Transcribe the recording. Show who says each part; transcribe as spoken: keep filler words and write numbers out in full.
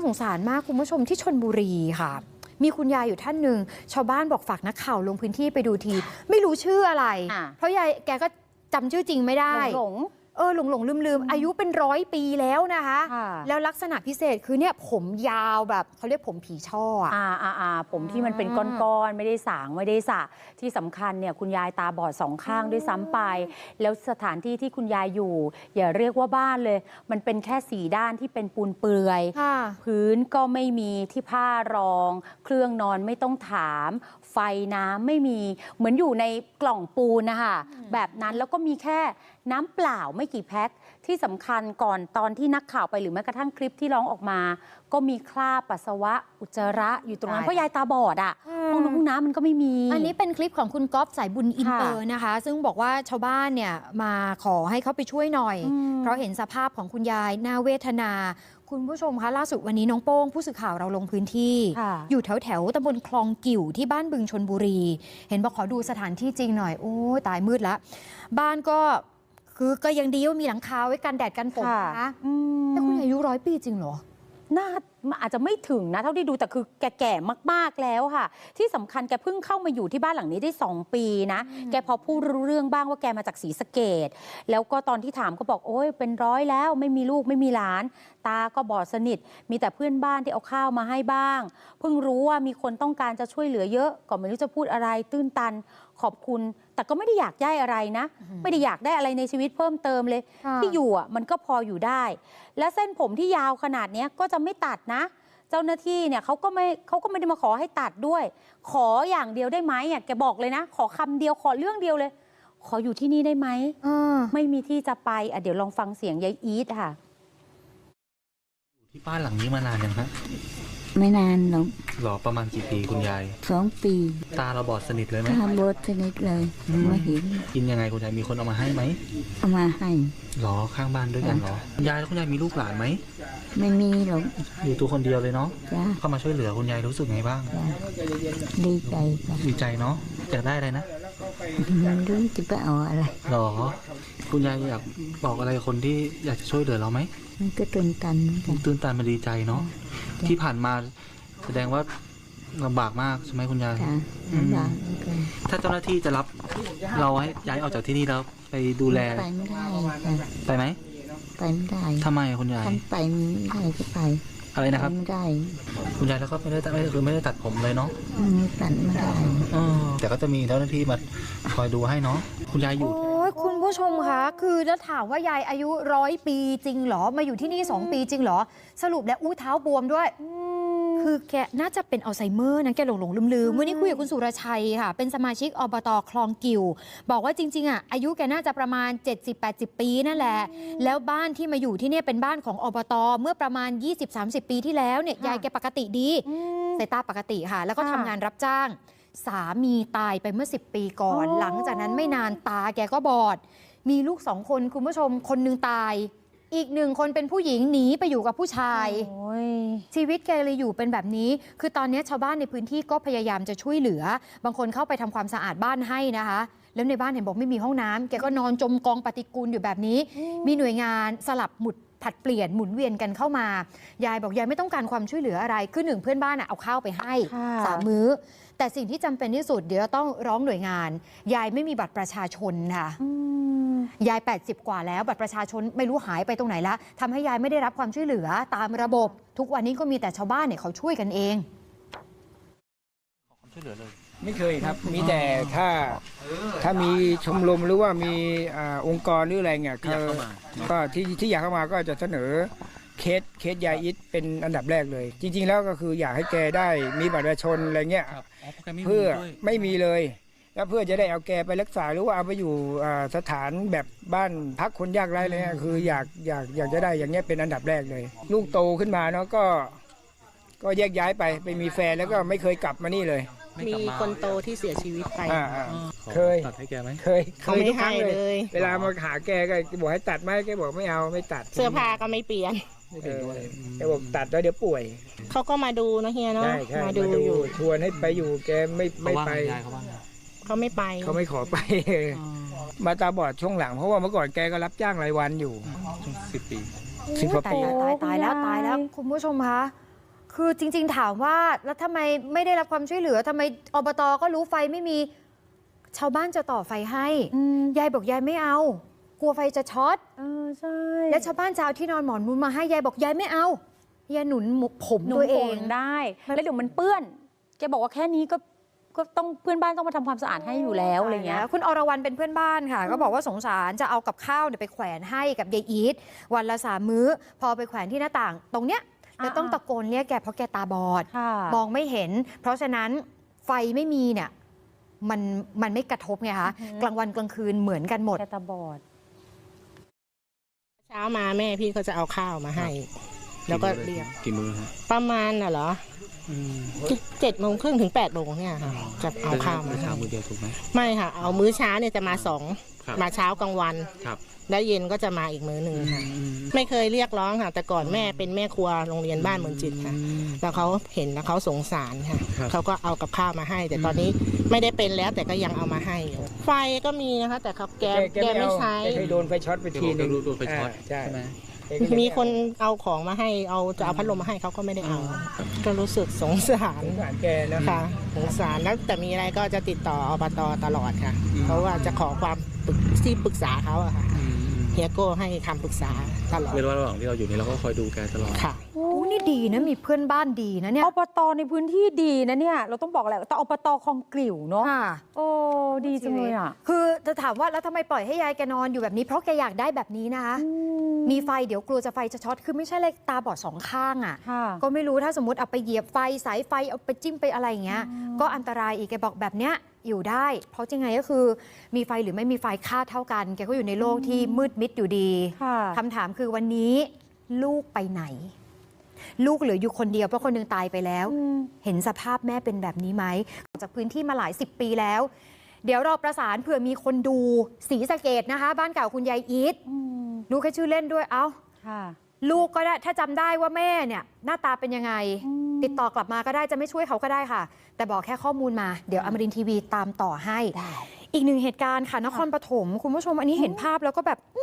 Speaker 1: สงสารมากคุณผู้ชมที่ชลบุรีค่ะมีคุณยายอยู่ท่านหนึ่งชาวบ้านบอกฝากนักข่าวลงพื้นที่ไปดูทีไม่รู้ชื่ออะไรเพราะยายแกก็จำชื่อจริงไม่ได้หลงเออหลงหลงลืมลืมอายุเป็นร้อยปีแล้วนะคะแล้วลักษณะพิเศษคือเนี่ยผมยาวแบบเขาเรียกผมผีช่ออ่าอ่าอ่าผมที่มันเป็นก้อนๆไม่ได้สางไม่ได้สระที่สำคัญเนี่ยคุณยายตาบอดสองข้างด้วยซ้ำไปแล้วสถานที่ที่คุณยายอยู่อย่าเรียกว่าบ้านเลยมันเป็นแค่สี่ด้านที่เป็นปูนเปลือยพื้นก็ไม่มีที่ผ้ารองเครื่องนอนไม่ต้องถามไฟน้ำไม่มีเหมือนอยู่ในกล่องปูนนะคะแบบนั้นแล้วก็มีแค่น้ำเปล่าไม่กี่แพ็คที่สำคัญก่อนตอนที่นักข่าวไปหรือแม้กระทั่งคลิปที่ร้องออกมาก็มีคราบปัสสาวะอุจจาระอยู่ตรงนั้นเพราะยายตาบอดอ่ะห้องน้ำห้องน้ำมันก็ไม่มีอันนี้เป็นคลิปของคุณก๊อฟสายบุญอินเตอร์นะคะซึ่งบอกว่าชาวบ้านเนี่ยมาขอให้เขาไปช่วยหน่อยเพราะเห็นสภาพของคุณยายน่าเวทนาคุณผู้ชมคะล่าสุดวันนี้น้องโป้งผู้สื่อข่าวเราลงพื้นที่อยู่แถวแถวตำบลคลองกิ่วที่บ้านบึงชลบุรีเห็นบอกขอดูสถานที่จริงหน่อยโอ้ตายมืดแล้วบ้านก็คือก็ยังดีว่ามีหลังคาไว้กันแดดกันฝนนะแต่คุณอายุร้อยปีจริงเหรอน่าอาจจะไม่ถึงนะเท่าที่ดูแต่คือแก่ๆมากๆแล้วค่ะที่สำคัญแกเพิ่งเข้ามาอยู่ที่บ้านหลังนี้ได้สองปีนะแกพอพูดรู้เรื่องบ้างว่าแกมาจากศรีสะเกษแล้วก็ตอนที่ถามก็บอกโอ้ยเป็นร้อยแล้วไม่มีลูกไม่มีหลานตาก็บอดสนิทมีแต่เพื่อนบ้านที่เอาข้าวมาให้บ้างเพิ่งรู้ว่ามีคนต้องการจะช่วยเหลือเยอะก็ไม่รู้จะพูดอะไรตื้นตันขอบคุณแต่ก็ไม่ได้อยากได้อะไรนะไม่ได้อยากได้อะไรในชีวิตเพิ่มเติมเลยที่อยู่อ่ะมันก็พออยู่ได้และเส้นผมที่ยาวขนาดนี้ก็จะไม่ตัดนะเจ้าหน้าที่เนี่ยเขาก็ไม่เขาก็ไม่ได้มาขอให้ตัดด้วยขออย่างเดียวได้ไหมอ่ะแกบอกเลยนะขอคำเดียวขอเรื่องเดียวเลยขออยู่ที่นี่ได้ไหมไม่มีที่จะไปอ่ะเดี๋ยวลองฟังเสียงยายอีทค่ะ
Speaker 2: อยู่ที่บ้านหลังนี้มานานยังฮะ
Speaker 3: ไม่นานหรอก
Speaker 2: หรอประมาณกี่ปีคุณยาย
Speaker 3: สองปี
Speaker 2: ตาเราบอดสนิทเลยไหม
Speaker 3: ตาบอดสนิทเลยมาเห็น
Speaker 2: กินยังไงคุณยายมีคนเอามาให้ไหม
Speaker 3: เอามาให้
Speaker 2: หรอข้างบ้านด้วยกันหรอยายแล้วคุณยายมีลูกหลานไหม
Speaker 3: ไม่มีหรอก
Speaker 2: อยู่ตัวคนเดียวเลยเนาะเข้ามาช่วยเหลือคุณยายรู้สึกไงบ้าง
Speaker 3: ดีใจ
Speaker 2: ดีใจเนาะอยากได้อะไรนะ
Speaker 3: มันรู้จะไปเอาอะไร
Speaker 2: หรอคุณยายอยากบอกอะไรคนที่อยากจะช่วยเหลือเราไหม
Speaker 3: มันก็ตื่นตัน
Speaker 2: ตื่นตันมาดีใจเนาะที่ผ่านมาแสดงว่าลำบากมากใช่ไหมคุณยาย
Speaker 3: ลำบาก
Speaker 2: ถ้าเจ้าหน้าที่จะรับเราให้ย้ายออกจากที่นี่แล้วไปดูแล
Speaker 3: ไปไม่ได้
Speaker 2: ไปไหม
Speaker 3: ไปไม่ได้
Speaker 2: ทำไมคุณยาย
Speaker 3: ไปไม่ได้ก็ไป
Speaker 2: อะไรนะครับ
Speaker 3: ไม่ได้
Speaker 2: คุณยายแล้วก็ไม่ได้ไม่คือไม่ได้ตัดผมเลยเนาะ
Speaker 3: ตัดไม่ได้
Speaker 2: แต่ก็จะมีเจ้าหน้าที่มาคอยดูให้เนาะคุณยายอยู่
Speaker 1: โอ้ยคุณผู้ชมคะคือจะถามว่ายายอายุร้อยปีจริงเหรอมาอยู่ที่นี่สองปีจริงเหรอสรุปแล้วอู้เท้าบวมด้วยคือแกน่าจะเป็นอัลไซเมอร์นะแกหลงหลงลืมลืมวันนี้คุยกับคุณสุรชัยค่ะเป็นสมาชิกอบต.คลองกิ่วบอกว่าจริงๆอ่ะอายุแกน่าจะประมาณ เจ็ดสิบแปดสิบ ปีนั่นแหละแล้วบ้านที่มาอยู่ที่นี่เป็นบ้านของอบต.เมื่อประมาณ ยี่สิบสามสิบ ปีที่แล้วเนี่ยยายแกปกติดีสายตาปกติค่ะแล้วก็ทำงานรับจ้างสามีตายไปเมื่อสิบปีก่อนหลังจากนั้นไม่นานตาแกก็บอดมีลูกสองคนคุณผู้ชมคนนึงตายอีกหนึ่งคนเป็นผู้หญิงหนีไปอยู่กับผู้ชายชีวิตแกเลยอยู่เป็นแบบนี้คือตอนนี้ชาวบ้านในพื้นที่ก็พยายามจะช่วยเหลือบางคนเข้าไปทำความสะอาดบ้านให้นะคะแล้วในบ้านเห็นบอกไม่มีห้องน้ำแกก็นอนจมกองปฏิกูลอยู่แบบนี้มีหน่วยงานสลับหมุดผัดเปลี่ยนหมุนเวียนกันเข้ามายายบอกยายไม่ต้องการความช่วยเหลืออะไรคือหนึ่งเพื่อนบ้านเอาข้าวไปให้สามมื้อแต่สิ่งที่จำเป็นที่สุดเดี๋ยวต้องร้องหน่วยงานยายไม่มีบัตรประชาชนค่ะยายแปดสิบกว่าแล้วบัตรประชาชนไม่รู้หายไปตรงไหนละทำให้ยายไม่ได้รับความช่วยเหลือตามระบบทุกวันนี้ก็มีแต่ชาวบ้านเนี่ยเขาช่วยกันเอง
Speaker 2: ขอความช่วยเหลือเลย
Speaker 4: ไม่เคยครับมีแต่ถ้าถ้ามีชมรมหรือว่ามีองค์กรหรืออะไรเงี้ยก็ที่ที่อยากเข้ามาก็จะเสนอเคสเคสยายอิทเป็นอันดับแรกเลยจริงๆแล้วก็คืออยากให้แกได้มีบัตรประชาชนอะไรเงี้ยเพื่อไม่มีเลยแล้วเพื่อจะได้เอาแกไปรักษาหรือว่าเอาไปอยู่สถานแบบบ้านพักคนยากไร้เลยคืออยากอยากอยากจะได้อย่างเงี้ยเป็นอันดับแรกเลยลูกโตขึ้นมาเนาะก็ก็แยกย้ายไปไปมีแฟนแล้วก็ไม่เคยกลับมานี่เลย
Speaker 5: มีคนโตที่เสียชีวิตไป
Speaker 4: เคย
Speaker 2: ตัดให้แกไหม
Speaker 4: เคย
Speaker 5: เขาไม่ให้เลย
Speaker 4: เวลามาหาแกก็บอกให้ตัดไหมแกบอกไม่เอาไม่ตัด
Speaker 5: เสื้อผ้าก็ไม่เปลี่ยน
Speaker 4: แกบอกตัดแล้วเดี๋ยวป่วย
Speaker 5: เขาก็มาดูนะเฮียเนาะ
Speaker 4: มาดูอยู่ชวนให้ไปอยู่แกไม่ไม่ไป
Speaker 5: เขาไม่ไป
Speaker 4: เขาไม่ขอไปมาตาบอดช่วงหลังเพราะว่าเมื่อก่อนแกก็รับจ้างรายวันอยู่
Speaker 2: สิบปี
Speaker 4: สิบกว่าปี
Speaker 1: ตายตายแล้วตายแล้วคุณผู้ชมคะคือจริงๆถามว่าแล้วทำไมไม่ได้รับความช่วยเหลือทำไมอบตก็รู้ไฟไม่มีชาวบ้านจะต่อไฟให้ยายบอกยายไม่เอากลัวไฟจะช็อต
Speaker 6: เออใช่
Speaker 1: และชาวบ้านจะเอาที่นอนหมอนมุ้งมาให้ยายบอกยายไม่เอายายหนุนผม
Speaker 6: หนุน
Speaker 1: ตัวเอ
Speaker 6: โป่
Speaker 1: ง
Speaker 6: งได้ แล้วเดี๋ยวมันเปื้อนแกบอกว่าแค่นี้ก็ก็ต้องเพื่อนบ้านต้องมาทำความสะอาดให้อยู่แล้วอะไรเงี้ย
Speaker 1: คุณอรวรรณเป็นเพื่อนบ้านค่ะ ก็บอกว่าสงสารจะเอากับข้าวเนี่ยไปแขวนให้กับยายอีทวันละสามมื้อ พอไปแขวนที่หน้าต่าง ตรงเนี้ยจะต้องตะโกนเรียกแกเพราะแกตาบอด มองไม่เห็น เพราะฉะนั้นไฟไม่มีเนี่ยมันมันไม่กระทบไงคะกลางวันกลางคืนเหมือนกันหมด
Speaker 6: แกตาบอด
Speaker 5: เช้ามาแม่พี่เขาจะเอาข้าวมาให้ แล้วก็เรียก
Speaker 2: กี่มื้อฮะ
Speaker 5: ประมาณน่ะเหรอเจ็ดโมงครึ่งถึงแปดโมงเนี่ยค่ะจะเอาข้าวมา
Speaker 2: เช้า
Speaker 5: ให้
Speaker 2: มื้อเดียวถูกไหม
Speaker 5: ไม่ค่ะ เอามื้อเช้าเนี่ยจะมาสอง
Speaker 2: ครับ
Speaker 5: มาเช้ากลางวัน
Speaker 2: ครับ
Speaker 5: แล้วเย็นก็จะมาอีกมื้อหนึ่งค่ะ ไม่เคยเรียกร้องค่ะ แต่ก่อนแม่เป็นแม่ครัวโรงเรียนบ้านเมืองจิตค่ะ แล้วเขาเห็นแล้วเขาสงสารค่ะ
Speaker 2: ครับ
Speaker 5: เขาก็เอากับข้าวมาให้ แต่ตอนนี้ไม่ได้เป็นแล้วแต่ก็ยังเอามาให้อยู่ไฟก็มีนะคะ แต่เขาแกแกไม่ใช้
Speaker 4: แกเคยโดนไฟช็อตไปทีนึง
Speaker 2: โดนไฟช็อต
Speaker 4: าใช่
Speaker 2: ใช่ไหม
Speaker 5: มีคนเอาของมาให้เอาจะเอาพัดลมมาให้เขาก็ไม่ได้เอา ก็รู้สึกสงสาร
Speaker 4: สงสารแกนะ
Speaker 5: ค่ะสงสารแล้วแต่มีอะไรก็จะติดต่ออบตตลอดค่ะ เพราะว่าจะขอความปรึกที่ปรึกษาเขาอะค่ะเฮียโก้ให้คำปรึกษาตลอด
Speaker 2: เวลาระหว่างที่เราอยู่นี่เราก็คอยดูแกตลอด
Speaker 5: ค่ะ
Speaker 1: โอ้นี่ดีนะมีเพื่อนบ้านดีนะเนี่ย
Speaker 6: อบตในพื้นที่ดีนะเนี่ยเราต้องบอกแหละแต่อบตคลองกลิ่วเนาะ
Speaker 1: ค่ะ
Speaker 6: โอ้ดีจังเลยอ่ะ
Speaker 1: คือจะถามว่าแล้วทำไมปล่อยให้ยายแกนอนอยู่แบบนี้เพราะแกอยากได้แบบนี้นะคะมีไฟเดี๋ยวกลัวจะไฟจะช็อตคือไม่ใช่เลยตาบอดสองข้างอ่ะ
Speaker 6: ค่ะ
Speaker 1: ก็ไม่รู้ถ้าสมมติเอาไปเหยียบไฟสายไฟเอาไปจิ้มไปอะไรอย่างเงี้ยก็อันตรายอีกแกบอกแบบเนี้ยอยู่ได้ เพราะจริงไงก็คือมีไฟหรือไม่มีไฟค่าเท่ากันแกก็อยู่ในโลกที่มืดมิดอยู่ดี
Speaker 6: ค่ะ
Speaker 1: คำถามคือวันนี้ลูกไปไหน ลูกเหลืออยู่คนเดียวเพราะคนหนึงตายไปแล้ว เห็นสภาพแม่เป็นแบบนี้ไหมออกจากพื้นที่มาหลายสิบปีแล้ว เดี๋ยวเราประสานเผื่อมีคนดูศรีสะเกดนะคะ บ้านเก่าคุณยายอีทรู้แค่ชื่อเล่นด้วยเอ้า
Speaker 6: ค่ะ
Speaker 1: ลูกก็ได้ถ้าจำได้ว่าแม่เนี่ยหน้าตาเป็นยังไง ติดต่อกลับมาก็ได้จะไม่ช่วยเขาก็ได้ค่ะ แต่บอกแค่ข้อมูลมาเดี๋ยวอมรินทร์ทีวีตามต่อให้ อีกหนึ่งเหตุการณ์ค่ะนครปฐมคุณผู้ชมอันนี้เห็นภาพแล้วก็แบบ